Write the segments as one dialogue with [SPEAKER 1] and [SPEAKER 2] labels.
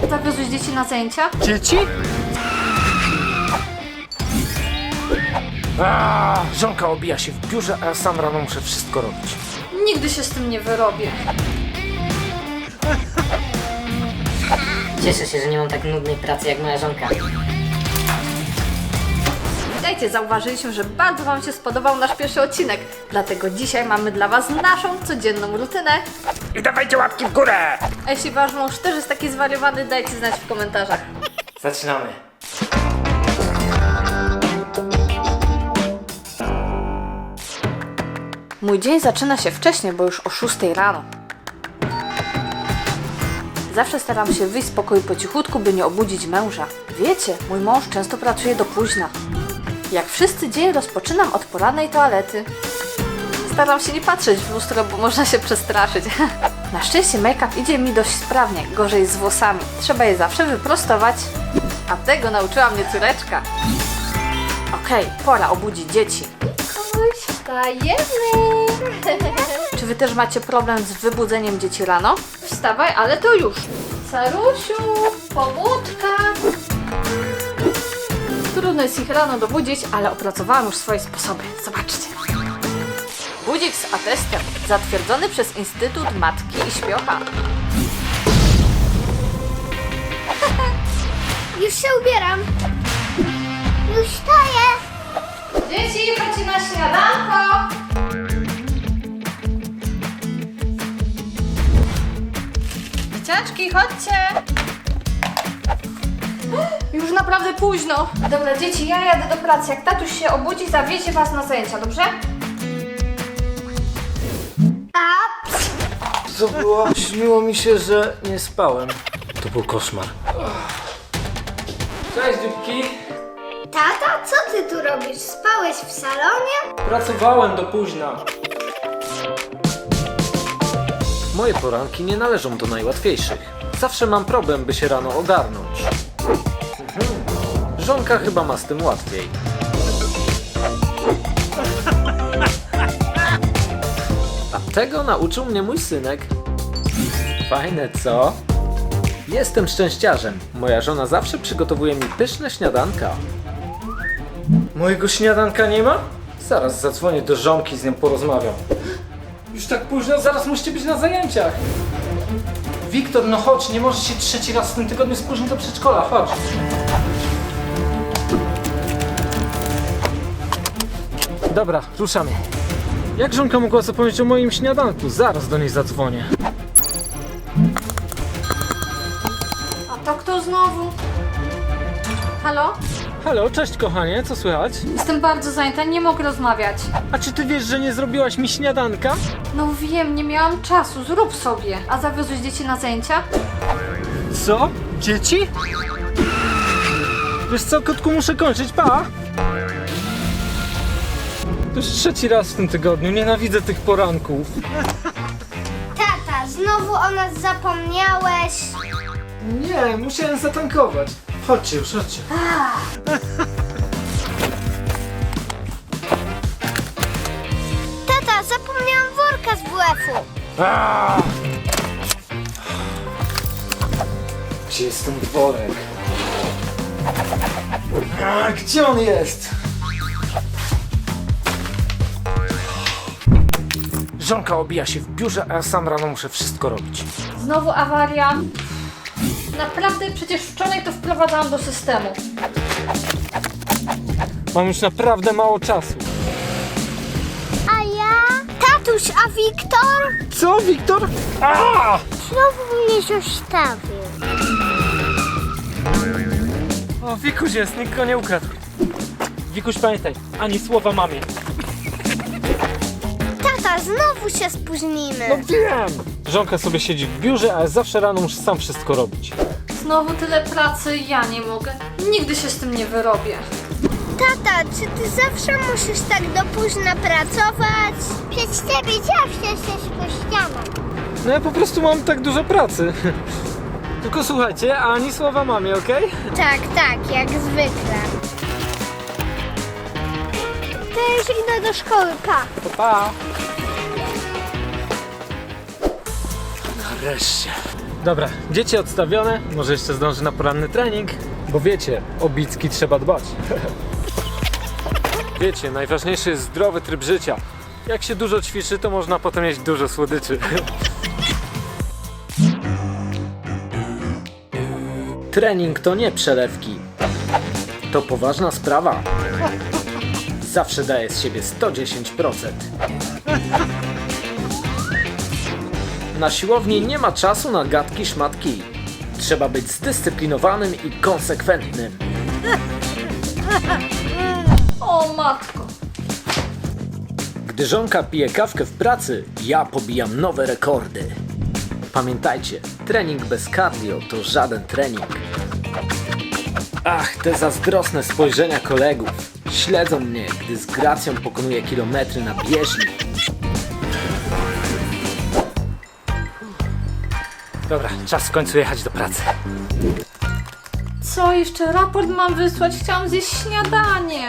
[SPEAKER 1] Zawiozłeś dzieci na zajęcia?
[SPEAKER 2] Dzieci? Żonka obija się w biurze, a ja sam rano muszę wszystko robić.
[SPEAKER 1] Nigdy się z tym nie wyrobię.
[SPEAKER 3] Cieszę się, że nie mam tak nudnej pracy jak moja żonka.
[SPEAKER 1] Witajcie, zauważyliśmy, że bardzo Wam się spodobał nasz pierwszy odcinek. Dlatego dzisiaj mamy dla Was naszą codzienną rutynę.
[SPEAKER 2] I dawajcie łapki w górę!
[SPEAKER 1] A jeśli Wasz mąż też jest taki zwariowany, dajcie znać w komentarzach.
[SPEAKER 2] Zaczynamy.
[SPEAKER 1] Mój dzień zaczyna się wcześniej, bo już o 6 rano. Zawsze staram się wyjść z pokoju po cichutku, by nie obudzić męża. Wiecie, mój mąż często pracuje do późna. Jak wszyscy dzień rozpoczynam od porannej toalety. Staram się nie patrzeć w lustro, bo można się przestraszyć. Na szczęście make-up idzie mi dość sprawnie, gorzej z włosami. Trzeba je zawsze wyprostować. A tego nauczyła mnie córeczka. Okej, pora obudzić dzieci. Wstajemy! Czy wy też macie problem z wybudzeniem dzieci rano? Wstawaj, ale to już. Sarusiu, pobudka. Trudno jest ich rano dobudzić, ale opracowałam już swoje sposoby. Zobaczcie. Budzik z atestem, zatwierdzony przez Instytut Matki i Śpiocha.
[SPEAKER 4] Już się ubieram. Już wstaję.
[SPEAKER 1] Dzieci, chodźcie na śniadanko! Dzieciaczki, chodźcie! Już naprawdę późno. Dobra, dzieci, ja jadę do pracy. Jak tatuś się obudzi, zawiezie was na zajęcia, dobrze?
[SPEAKER 2] Co było? Śniło mi się, że nie spałem. To był koszmar. Cześć, dzióbki.
[SPEAKER 4] Tata, co ty tu robisz? Spałeś w salonie?
[SPEAKER 2] Pracowałem do późna. Moje poranki nie należą do najłatwiejszych. Zawsze mam problem, by się rano ogarnąć. Żonka chyba ma z tym łatwiej. A tego nauczył mnie mój synek. Fajne, co? Jestem szczęściarzem. Moja żona zawsze przygotowuje mi pyszne śniadanka. Mojego śniadanka nie ma? Zaraz zadzwonię do żonki, z nią porozmawiam. Już tak późno, zaraz musicie być na zajęciach. Wiktor, no chodź, nie możesz się trzeci raz w tym tygodniu spóźnić do przedszkola, chodź. Dobra, ruszamy. Jak żonka mogła zapomnieć o moim śniadanku? Zaraz do niej zadzwonię.
[SPEAKER 1] A to kto znowu? Halo?
[SPEAKER 2] Halo, cześć kochanie, co słychać?
[SPEAKER 1] Jestem bardzo zajęta, nie mogę rozmawiać.
[SPEAKER 2] A czy ty wiesz, że nie zrobiłaś mi śniadanka?
[SPEAKER 1] No wiem, nie miałam czasu, zrób sobie. A zawiozłeś dzieci na zajęcia?
[SPEAKER 2] Co? Dzieci? Wiesz co, kotku, muszę kończyć, pa! To już trzeci raz w tym tygodniu, nienawidzę tych poranków.
[SPEAKER 4] Tata, znowu o nas zapomniałeś.
[SPEAKER 2] Nie, musiałem zatankować. Chodźcie już, chodźcie.
[SPEAKER 4] Tata, zapomniałam worka z WF-u.
[SPEAKER 2] Gdzie jest ten worek? Gdzie on jest? Żonka obija się w biurze, a ja sam rano muszę wszystko robić.
[SPEAKER 1] Znowu awaria. Naprawdę, przecież wczoraj to wprowadzałam do systemu.
[SPEAKER 2] Mam już naprawdę mało czasu.
[SPEAKER 4] A ja? Tatuś, a Wiktor?
[SPEAKER 2] Co, Wiktor?
[SPEAKER 4] Znowu mnie zostawił.
[SPEAKER 2] O, Wikuś jest, nikt go nie ukradł. Wikuś, pamiętaj, ani słowa mamie.
[SPEAKER 4] Tata, znowu się spóźnimy.
[SPEAKER 2] No wiem! Żonka sobie siedzi w biurze, a ja zawsze rano muszę sam wszystko robić.
[SPEAKER 1] Znowu tyle pracy, ja nie mogę. Nigdy się z tym nie wyrobię.
[SPEAKER 4] Tata, czy ty zawsze musisz tak do późna pracować? Przez ciebie zawsze się spóźniamy.
[SPEAKER 2] No ja po prostu mam tak dużo pracy. Tylko słuchajcie, ani słowa mamie, okej?
[SPEAKER 4] Tak, tak, jak zwykle. To już idę do szkoły, pa.
[SPEAKER 2] Pa! Nareszcie. Dobra, dzieci odstawione, może jeszcze zdążę na poranny trening, bo wiecie, o bicki trzeba dbać. Wiecie, najważniejszy jest zdrowy tryb życia. Jak się dużo ćwiczy, to można potem jeść dużo słodyczy. Trening to nie przelewki. To poważna sprawa. Zawsze daję z siebie 110%. Na siłowni nie ma czasu na gadki szmatki. Trzeba być zdyscyplinowanym i konsekwentnym.
[SPEAKER 1] O matko.
[SPEAKER 2] Gdy żonka pije kawkę w pracy, ja pobijam nowe rekordy. Pamiętajcie, trening bez cardio to żaden trening. Ach, te zazdrosne spojrzenia kolegów. Śledzą mnie, gdy z gracją pokonuję kilometry na bieżni. Dobra, czas w końcu jechać do pracy.
[SPEAKER 1] Co, jeszcze raport mam wysłać? Chciałam zjeść śniadanie.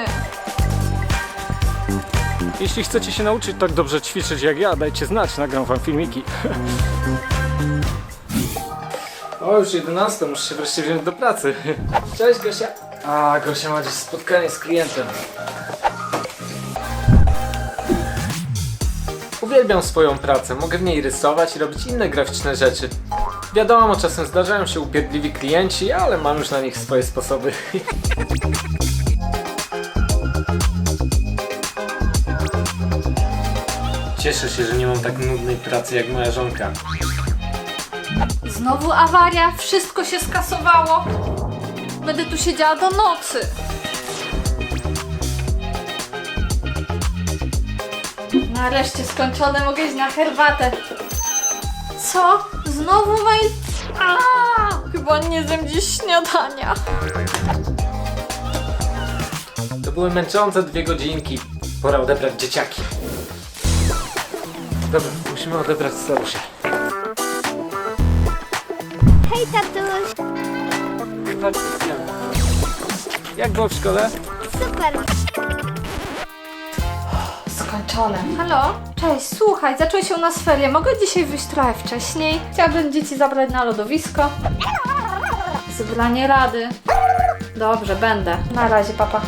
[SPEAKER 5] Jeśli chcecie się nauczyć tak dobrze ćwiczyć jak ja, dajcie znać, nagram wam filmiki.
[SPEAKER 2] O, już 11, muszę się wreszcie wziąć do pracy. Cześć Gosia. A, Gosia ma dziś spotkanie z klientem. Uwielbiam swoją pracę, mogę w niej rysować i robić inne graficzne rzeczy. Wiadomo, czasem zdarzają się upierdliwi klienci, ale mam już na nich swoje sposoby. Cieszę się, że nie mam tak nudnej pracy jak moja żonka.
[SPEAKER 1] Znowu awaria, wszystko się skasowało. Będę tu siedziała do nocy. Nareszcie skończone, mogę iść na herbatę. Co? Znowu mail? Chyba nie zjem dziś śniadania.
[SPEAKER 2] To były męczące 2 godzinki. Pora odebrać dzieciaki. Dobra, musimy odebrać starusia.
[SPEAKER 4] Hej, tatuś.
[SPEAKER 5] Jak było w szkole?
[SPEAKER 4] Super.
[SPEAKER 1] Skończone. Halo? Cześć, słuchaj, zaczęły się u nas ferie. Mogę dzisiaj wyjść trochę wcześniej? Chciałabym dzieci zabrać na lodowisko. Zebranie rady. Dobrze, będę. Na razie, papa.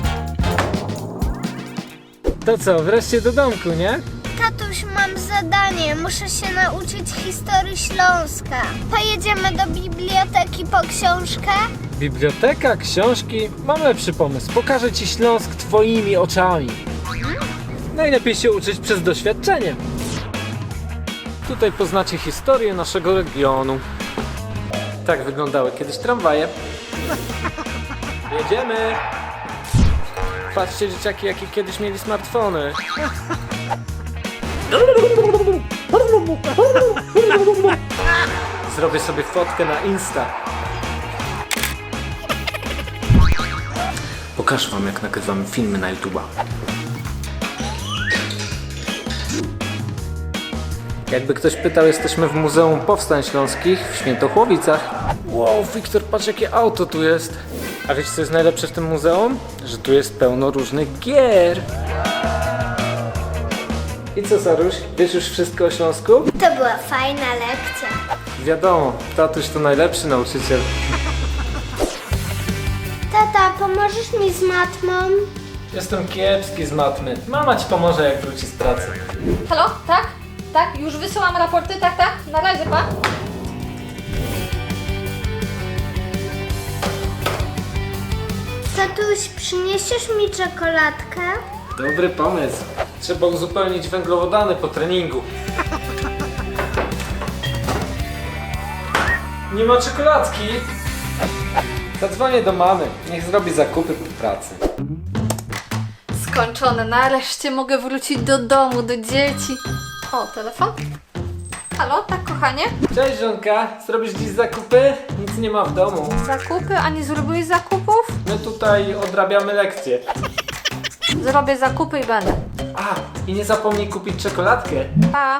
[SPEAKER 2] To co, wreszcie do domku, nie?
[SPEAKER 4] Tatuś, mam zadanie. Muszę się nauczyć historii Śląska. Pojedziemy do biblioteki po książkę?
[SPEAKER 2] Biblioteka, książki? Mam lepszy pomysł. Pokażę ci Śląsk twoimi oczami. Najlepiej się uczyć przez doświadczenie. Tutaj poznacie historię naszego regionu. Tak wyglądały kiedyś tramwaje. Jedziemy! Patrzcie, dzieciaki, jakie kiedyś mieli smartfony. Zrobię sobie fotkę na Insta. Pokażę wam, jak nagrywamy filmy na YouTube'a. Jakby ktoś pytał, jesteśmy w Muzeum Powstań Śląskich w Świętochłowicach. Wow, Wiktor, patrz jakie auto tu jest. A wiecie, co jest najlepsze w tym muzeum? Że tu jest pełno różnych gier. I co, Saruś? Wiesz już wszystko o Śląsku?
[SPEAKER 4] To była fajna lekcja.
[SPEAKER 2] Wiadomo, tatuś to najlepszy nauczyciel.
[SPEAKER 4] Tata, pomożesz mi z matmą?
[SPEAKER 2] Jestem kiepski z matmy. Mama ci pomoże, jak wróci z pracy.
[SPEAKER 1] Halo? Tak? Tak? Już wysyłam raporty? Tak, tak? Na razie, pa.
[SPEAKER 4] Tatuś, przyniesiesz mi czekoladkę?
[SPEAKER 2] Dobry pomysł. Trzeba uzupełnić węglowodany po treningu. Nie ma czekoladki. Zadzwonię do mamy. Niech zrobi zakupy po pracy.
[SPEAKER 1] Skończone, nareszcie mogę wrócić do domu, do dzieci. O, telefon? Halo, tak kochanie?
[SPEAKER 2] Cześć żonka, zrobisz dziś zakupy? Nic nie ma w domu.
[SPEAKER 1] Zakupy? A nie zrobiłeś zakupów?
[SPEAKER 2] My tutaj odrabiamy lekcje.
[SPEAKER 1] Zrobię zakupy i będę.
[SPEAKER 2] A, i nie zapomnij kupić czekoladkę.
[SPEAKER 1] Pa.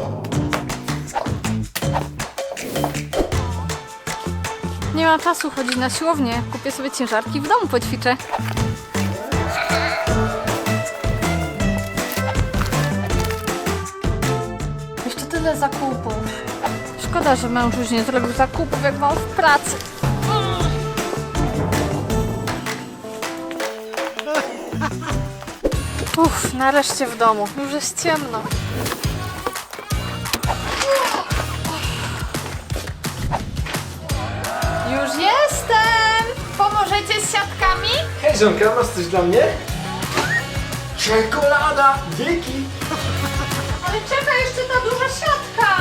[SPEAKER 1] Nie mam czasu chodzić na siłownię. Kupię sobie ciężarki i w domu poćwiczę. Jeszcze tyle zakupów. Szkoda, że męż już nie zrobił zakupów, jak mam w pracy. Uff, nareszcie w domu. Już jest ciemno. Już jestem! Pomożecie z siatkami?
[SPEAKER 2] Hej żonka, masz coś dla mnie? Czekolada! Dzięki!
[SPEAKER 1] Ale czeka jeszcze ta duża siatka!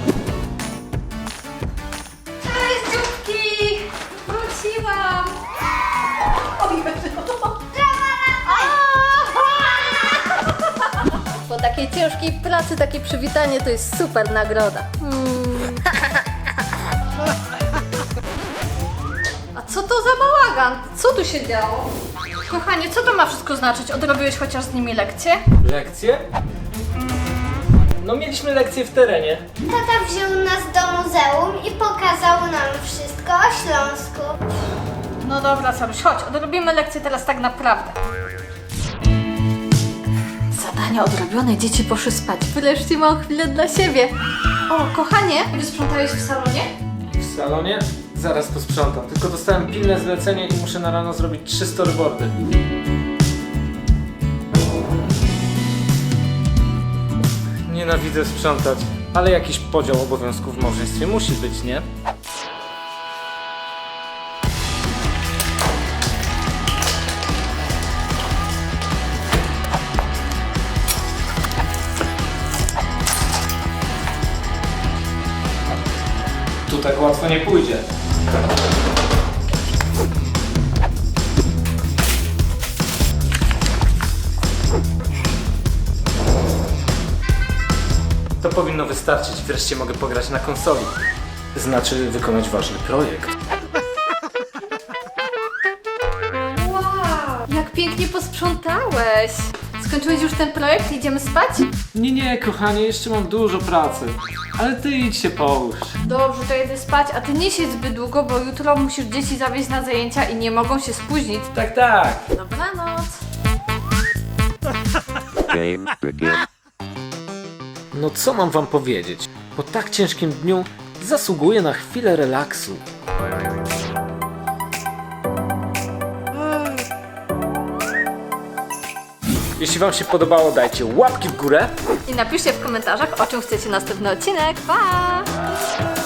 [SPEAKER 1] Cześć dzióbki! Wróciłam! Oj, po takiej ciężkiej pracy takie przywitanie to jest super nagroda. A co to za bałagan? Co tu się działo? Kochanie, co to ma wszystko znaczyć? Odrobiłeś chociaż z nimi lekcje?
[SPEAKER 2] Lekcje? No mieliśmy lekcje w terenie.
[SPEAKER 4] Tata wziął nas do muzeum i pokazał nam wszystko o Śląsku.
[SPEAKER 1] No dobra, Saruś, chodź, odrobimy lekcję teraz tak naprawdę. Zadania odrobione, dzieci poszły spać. Wreszcie mam chwilę dla siebie. O, kochanie, wysprzątałeś w salonie?
[SPEAKER 2] W salonie? Zaraz posprzątam. Tylko dostałem pilne zlecenie i muszę na rano zrobić 3 storyboardy. Nienawidzę sprzątać, ale jakiś podział obowiązków w małżeństwie musi być, nie? Tu tak łatwo nie pójdzie. To powinno wystarczyć. Wreszcie mogę pograć na konsoli. Znaczy wykonać ważny projekt.
[SPEAKER 1] Wow, jak pięknie posprzątałeś. Skończyłeś już ten projekt? Idziemy spać?
[SPEAKER 2] Nie, kochanie, jeszcze mam dużo pracy. Ale ty idź się połóż.
[SPEAKER 1] Dobrze, to jedę spać, a ty nie siedź zbyt długo, bo jutro musisz dzieci zawieźć na zajęcia i nie mogą się spóźnić.
[SPEAKER 2] Tak.
[SPEAKER 1] Dobranoc.
[SPEAKER 6] Game begin.
[SPEAKER 2] No co mam wam powiedzieć? Po tak ciężkim dniu zasługuję na chwilę relaksu. Jeśli wam się podobało, dajcie łapki w górę.
[SPEAKER 1] I napiszcie w komentarzach, o czym chcecie następny odcinek. Pa!